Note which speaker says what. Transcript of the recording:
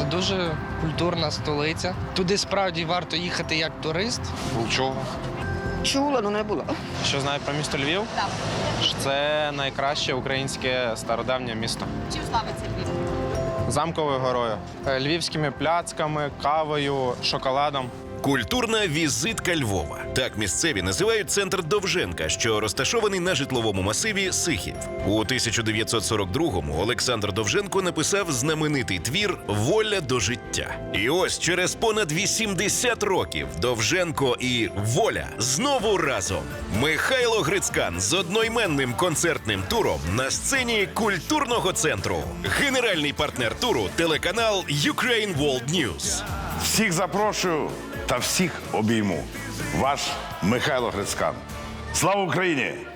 Speaker 1: Це дуже культурна столиця. Туди справді варто їхати як турист.
Speaker 2: Нічого.
Speaker 3: Чула, але не була.
Speaker 4: Що знаю про місто Львів?
Speaker 5: Так.
Speaker 4: Це найкраще українське стародавнє місто.
Speaker 5: Чим славиться Львів?
Speaker 4: Замковою горою, львівськими пляцками, кавою, шоколадом.
Speaker 6: Культурна візитка Львова. Так місцеві називають центр Довженка, що розташований на житловому масиві Сихів. У 1942-му Олександр Довженко написав знаменитий твір «Воля до життя». І ось через понад 80 років Довженко і Воля знову разом. Михайло Грицькан з одноіменним концертним туром на сцені культурного центру. Генеральний партнер туру – телеканал Ukraine World News.
Speaker 7: Всіх запрошую та всіх обійму. Ваш Михайло Грицькан. Слава Україні!